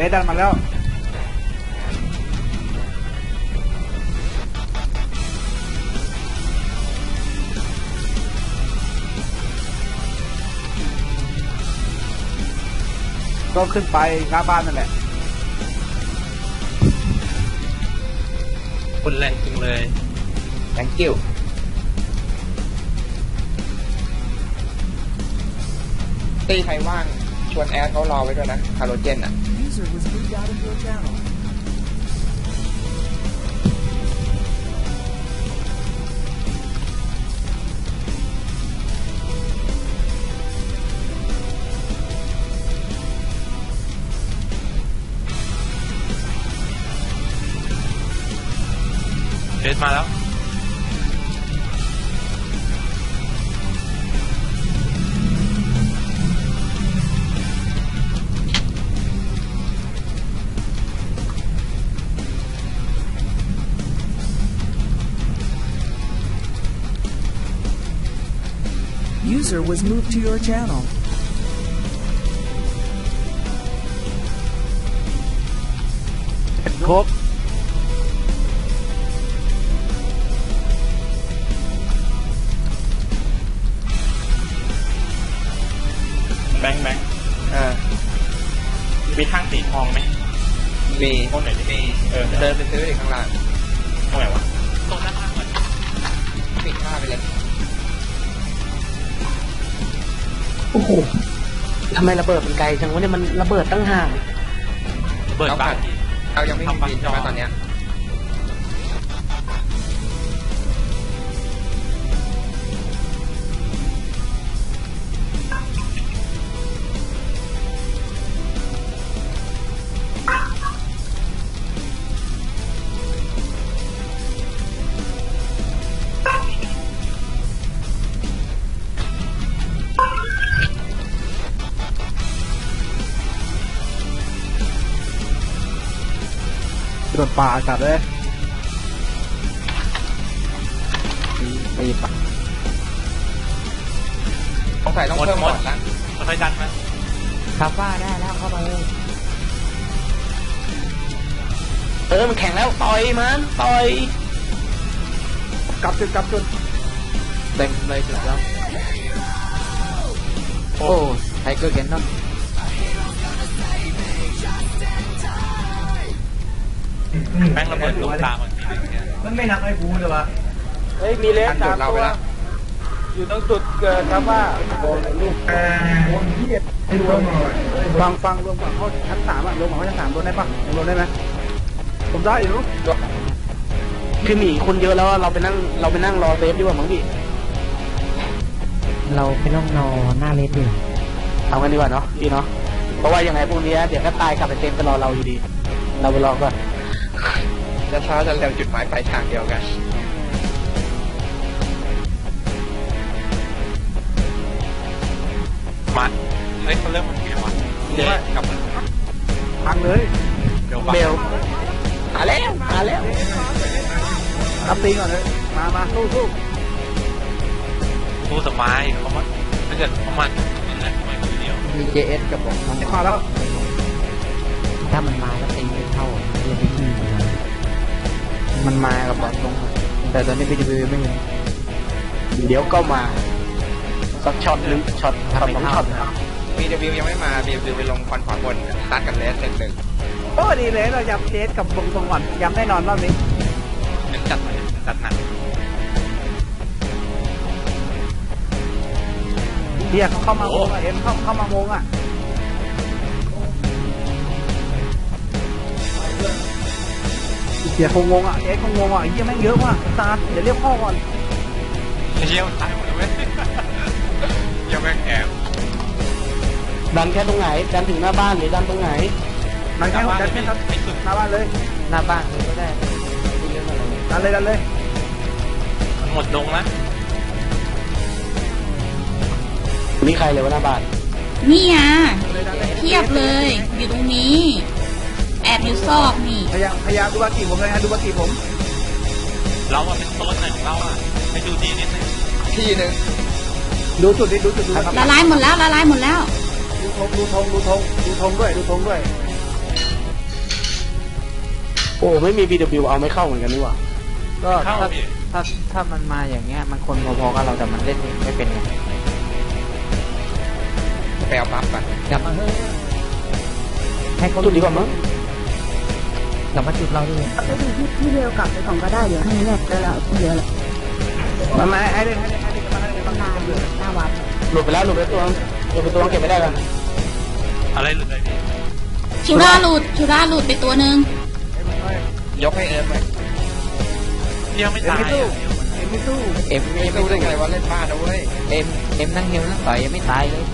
สดันมาแล้วก็ขึ้นไปหน้าบ้านนั่นแหละคนแรงจริงเลย thank you ตีใครว่างชวนแอดเขารอไว้ด้วยนะคาร์โรเจนอ่ะเฟสมาแล้ว User was moved to your channel. ครบแบงมีทางสีทองไหมมีตรงไหนดิเดินไปซื้ออีกข้างล่างตรงไหนวะตรงหน้าบ้านก่อนปิดผ้าไปเลยโอ้โหทำไมระเบิดมันไกลจังวะเนี่ยมันระเบิดตั้งห่างระเบิดบ้านเรายังไม่มีบินใช่ไหมตอนเนี้ยโดนป่าจัดเลยตีป่าต้องใส่ต้องเพิ่มหมดนะค่อยดันมาครับว่าได้แล้วเข้าไปมันแข็งแล้วต่อยมันต่อยกลับจุดเต็มเลยจุดแล้วโอ้ไทเกอร์แกนนอนแบงระเบิดลงตามันไม่นักไอ้บูเลยวะมีเลส 3 ตัวอยู่ตรงจุดเกิดครับว่าฟังรวมฝั่งเขาชั้น3อ่ะรวมฝั่งเขาชั้น3โดนได้ปะรวมได้ไหมผมได้อยู่คือหนีคนเยอะแล้วเราไปนั่งรอเซฟดีกว่ามั้งพี่เราไปนั่งรอหน้าเลสดีเอากันดีกว่าเนาะพี่เนาะเพราะว่ายังไงพวกนี้เดี๋ยวก็ตายกลับไปเต็มไปรอเราอยู่ดีเราไปรอก่อนจะช้าจะเร็วจุดหมายปลายทางเดียวกันมาเฮ้ยเขาเริ่มมันเกี่ยวเดี๋ยวกลับมาพังเลยเบลมาแล้วรับตีก่อนเลยมาสู้สมัยเขามาถ้าเกิดเขามาอะไรทำไมคนเดียวมี JS กับผมมาแล้วถ้ามันมาแล้วตีไม่เข้าเรียกที่มันมากับบอลตรงแต่ตอนนี้PWไม่เห็นเดี๋ยวก็มาสักช็อตนึงช็อต2 ช็อต PW ยังไม่มา PW ไปลงคอนขวาบนตัดกันเลส1-1 โอ้ดีเลยเราย้ำเลสกับบงตรงก่อนย้ำแน่นอนรอบนี้จัดหนักเดี๋ยวเขาเข้ามาโมงอ่ะเข้ามาโมงอ่ะเสียคงงอ่ะคงงอ่ะเยี่ยแม่งเยอะว่ะตาเดี๋ยวเรียกพ่อก่อนเยี่ยมตายหมดเลยยังแม่งแอบดันแค่ตรงไหนดันถึงหน้าบ้านหรือดันตรงไหนดันแค่หน้าบ้านเลยหน้าบ้านเลยก็ได้ดันเลยหมดดงนะนี่ใครเลยวะหน้าบ้านนี่อ่ะเทียบเลยอยู่ตรงนี้แอบอยู่ซอกนี่พยายามดูบากีผมเลยฮะดูบากีผมเราอะเป็นต้นไหนของเราอะไปดูที่นิดนึงที่นึงดูจุดละลายหมดแล้วดูธงด้วยโอ้ไม่มี BW เอาไม่เข้าเหมือนกันนี่หว่าก็เข้าพี่ถ้ามันมาอย่างเงี้ยมันคนพอๆกับเราแต่มันเล่นไม่เป็นไงไปเอาปั๊บก่อนกลับมาเฮ้ยให้เขาจุดดีกว่ามั้งกลับมาจุดเราด้วยไปดูที่เร็วกลับไปของก็ได้เดี๋ยวให้แน่แล้วเราเยอะเลยมาให้เล่นมาให้เล่นต้องนานอยู่หน้าวัดหลุดไปแล้วหลุดไปตัวเก็บไม่ได้กันอะไรหลุดเลยพี่ชูราหลุดไปตัวหนึ่งยกให้เอ็มไหมยังไม่ตายไม่สู้เอ็มไม่รู้ได้ไงว่าเล่นบ้านนะเว้ยเอ็มนั่งเฮลนั่งต่อยยังไม่ตายเลย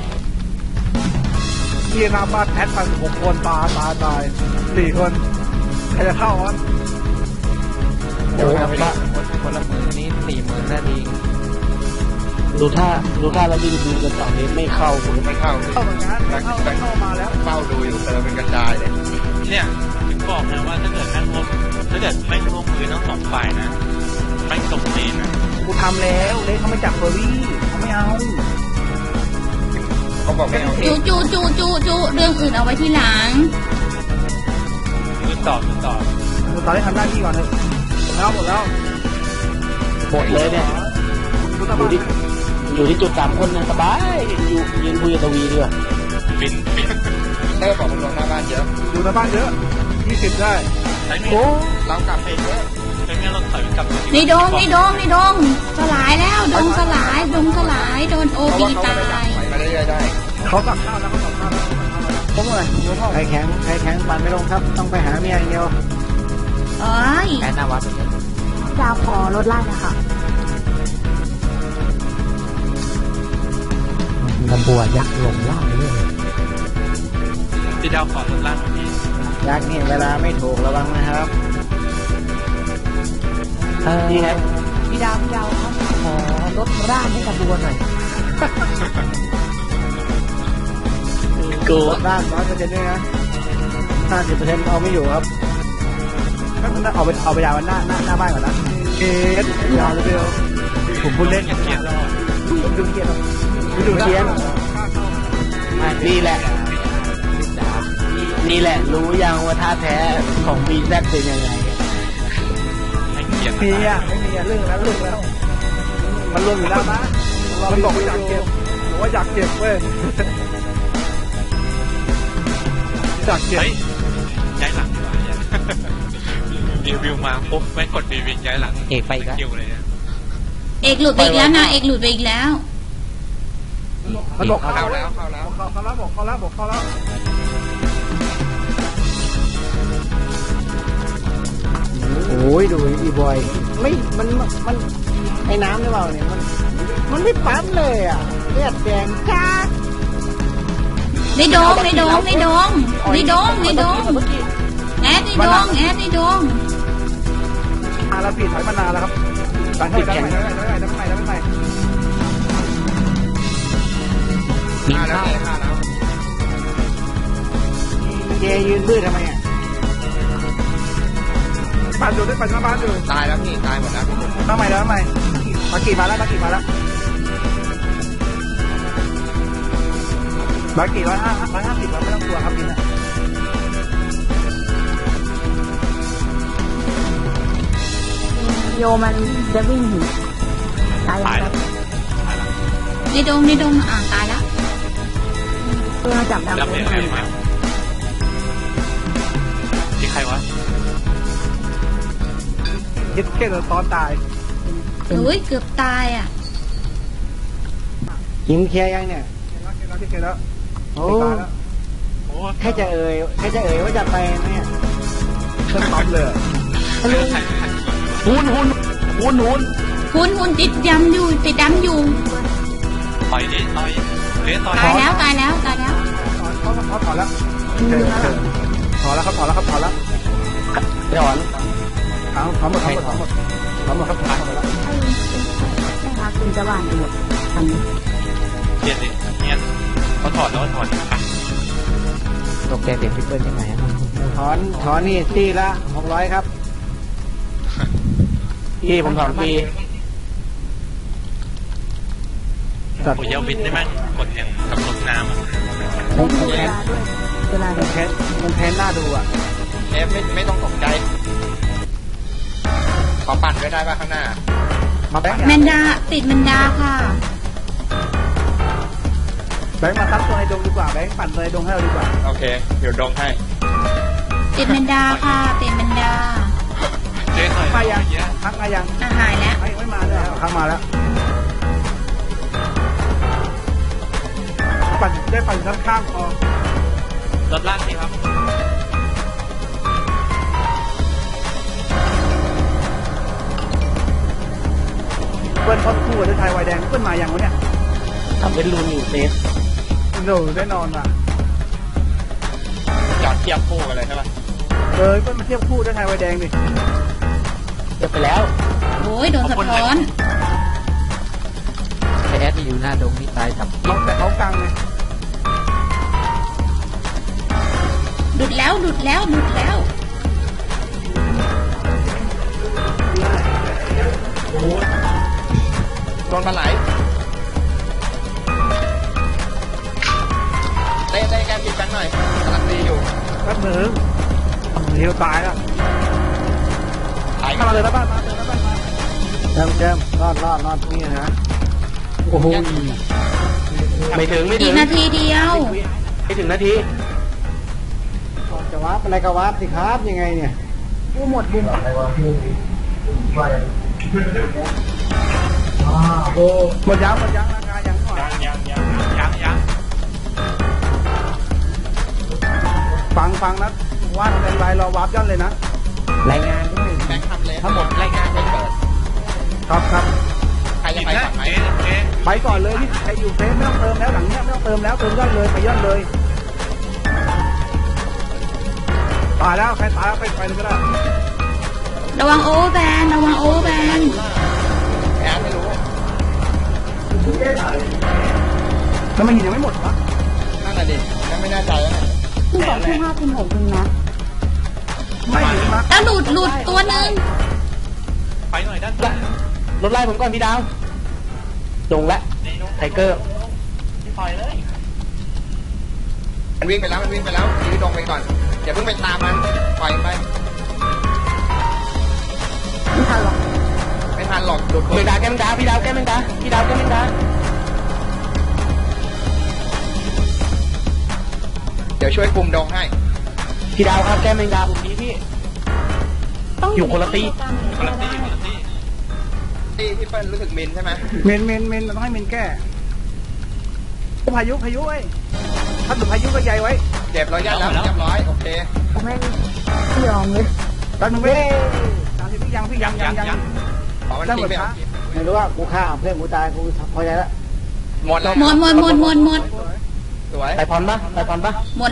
เกียร์นาบ้านแอดไป6 คนตาย4 คนใครจะเข้าวะโอ้บ้าคนละมือนี้40,000นาทีดูท่าแล้ว BW กันต่อนี้ไม่เข้าผมไม่เข้าเข้าเหมือนกันเข้ามาแล้วเฝ้าดูอยู่เติมเป็นกระจายเลยเนี่ยถึงบอกนะว่าถ้าเกิดไม่ร่วมมือทั้งสองฝ่ายนะไม่ตรงเลนนะกูทำแล้วเล็กเขาไม่จับเฟอร์รี่เขาไม่เอาเขาบอกไม่เอาเอจูงจูเรื่องอื่นเอาไว้ที่หลังคือต่อกูตอนนี้ทำหน้าที่ก่อนเลยหมดแล้วหมดเลยเนี่ยกูต้องมาอยู่ที่จุด3 คนนะสบายยืนคุยกับตวีดีกว่าบินเตอร์บอกมันลงหน้าบ้านเยอะอยู่ในบ้านเยอะ20ได้ใช้เมีโอ้เรากลับเองเยอะใช้เมีเราถอยกลับในดงสลายแล้วดงสลายโดนโอเพราะบีว่าเขาตาไม่ได้ยถอยมาเรื่อยๆได้เขาตักข้าวแล้วผมอะไรใครแข็งปั่นไม่ลงครับต้องไปหาเมียอย่างเดียวเอ้ยแค่หน้าวัดดาวพอลดไล่นะคะกระบัวยักษ์ลงล่างเรื่อยที่ดาวขอลดล่างพี่ยักษ์นี่เวลาไม่ถูกระวังนะครับนี่ไงพี่ดาวครับขอรถร่างให้กระบัวหน่อยกูด้าน100%ด้วยนะ50%เอาไม่อยู่ครับก็มันเอาไปยาวหน้าบ้านก่อนนะยาวเร็วผมพูดเล่นเกียร์รอดผมดูเกียร์นี่แหละรู้ยังว่าท่าแท้ของ BZ เป็นยังไงให้เกียร์มีอ่ะไม่มีอ่ะเรื่องแล้วมันรวมอยู่แล้วนะมันบอกว่าอยากเก็บผมว่าอยากเก็บเว้ยอยากเก็บเฮ้ยย้ายหลังดีกว่ารีวิวมาปุ๊บไม่กดรีวิวย้ายหลังเอกไปอีกแล้วคิวเลยเนี่ยเอกหลุดไปอีกแล้วนะเอกหลุดไปอีกแล้วมันบอกเข้าเข้าแล้แล้ว วเข้าแล้วบอกเข้าแล้วโอ้ยดูอีบอยไม่มันไอ้น้ำหรือเปล่าเนี่ยมันไม่ปั๊มเลยอ่ะเลือดแดงจ้าในดงแอดในดงมาแล้วผิดถอยมานานแล้วครับตั้งให้ได้ไหมมีฆ่าแล้วข้าวฆ่าแล้วเจยืนบื้อทำไมอ่ะบ้านอยู่ได้ปัจจุบันอยู่ตายแล้วพี่ตายหมดแล้วทำไมมากี่มาแล้วมากี่150ไม่ต้องกลัวครับกินอ่ะโยมันจะวิ่งหนีตายตายแล้แล้ว วในดงตายแล้วเพื่อจับดาวแล้วเป็นใครมาที่ใครวะยึดแค่ตอนตายเฮ้ยเกือบตายอ่ะยิงเคลียร์ยังเนี่ยเคลียร์แล้วโอ้โอ้แค่จะเอ่ยว่าจะไปเนี่ยเครื่องปั๊มเลยหุ่นคุณติดดำอยู่ต่อยดิต่อยเลี้ยต่อยตายแล้วเขาถอนแล้วถอนแล้วครับถอนแล้วไปถอนถอนหมดครับถอนหมดแล้วให้พักคุณจะหวานดูอันนี้เปลี่ยนดิเนี่ยเขาถอดแล้วถอดตกใจเสียงพี่เปิ้ลยังไงถอนนี่ที่ละ600ครับพี่ผมถอนฟรีโอ้ยเยาวินได้มั้งกดแห่งกับรถน้ำเวลาด้วยมันแพ้หน้าดูอ่ะเอฟไม่ต้องตกใจขอปั่นไว้ได้ป่ะข้างหน้ามาแบงค์แมนดาติดแมนดาค่ะแบงค์มาซับตัวในดงดีกว่าแบงค์ปั่นตัวในดงให้เราดีกว่าโอเคเดี๋ยวดงให้ติดแมนดาค่ะติดแมนดาเจ๊หน่อยมายังเยอะพักมายังหายแล้วไม่มาเลยพักมาแล้วปั่นได้ปั่นด้านข้างพอรถลากนี่ครับเปิ้ลพอดคู่กับไทยไวแดงเปิ้ลมาอย่างวะเนี่ยทำเป็นรูนอยู่เซฟโน่แน่นอนว่ะจอดเทียบคู่กันเลยใช่ป่ะเปิ้ลมาเทียบคู่ด้วยไทยไวแดงดิเดี๋ยวไปแล้วโอ้ยโดนสะท้อนไอแอดที่อยู่หน้าดงนี่ตายจับแต่เขากลางไงหลุดแล้วหลุดแล้วหลุดแล้วโดนปลาไหลเต้แกปิดกันหน่อยกำลังดีอยู่แป๊บนึงเฮียวตายแล้วถ่ายเข้ามาเลยนะบ้านมาเลยนะบ้านมาแจมรอดนี่นะโอ้โหไม่ถึงอีกนาทีเดียวไม่ถึงนาทีจะวาร์ปอะไรก็วาร์ปสิครับยังไงเนี่ยกูหมดบุญหมดยังราคายังก่อนยังฟังนะว่าเป็นไรรอวาร์ปย่อนเลยนะรายงานด้วยแบงค์ทำเลยทั้งหมดรายงานไม่เปิดครับใครจะกินไปนะก่อนไหมเจ๊ไปก่อนเลยที่ใครอยู่เฟซไม่ต้องเติมแล้วหลังเนี้ยไม่ต้องเติมแล้วเติมย่อนเลยไปย่อนเลยตายแล้วใครตายแล้วไปเลยก็ได้ระวังโอเวอร์แบนระวังโอเวอร์แบนแอนไม่รู้แล้วมันหินยังไม่หมดวะนั่นน่ะดิยังไม่แน่ใจแล้วที่บอกที่5คุณ6จริงนะไม่หินมาแล้วหลุดตัวหนึ่งไปหน่อยด้านซ้ายรถไล่ผมก่อนพี่ดาวดงและไทเกอร์มันวิ่งไปแล้วยืดดงไปก่อนอย่าเพิ่งไปตามมันปล่อยไปไม่ทันหรอกไม่ทันหรอกหลุดเมงดาแกแมงดาพี่ดาวแกแมงดาพี่ดาวแกแมงดาเดี๋ยวช่วยคุมดงให้พี่ดาวครับแกแมงดาผมนี้พี่ต้องอยู่คนละตีคนละที่ที่พี่เปิ้ลรู้สึกมินใช่ไหมเมนเราต้องให้เมนแก้พายุไอ้ถ้าหลุดพายุก็ใหญ่ไว้เจ็บร้อยยัดแล้วเรียบร้อยโอเคผมไม่ยอมเลยตอนนึงเว้ยพี่ยังขอมันทิ้งไปเอาไม่รู้ว่ากูฆ่าเพื่อนกูตายกูพอใจแล้วหมดแล้วหมดสวยไต่พรปะหมด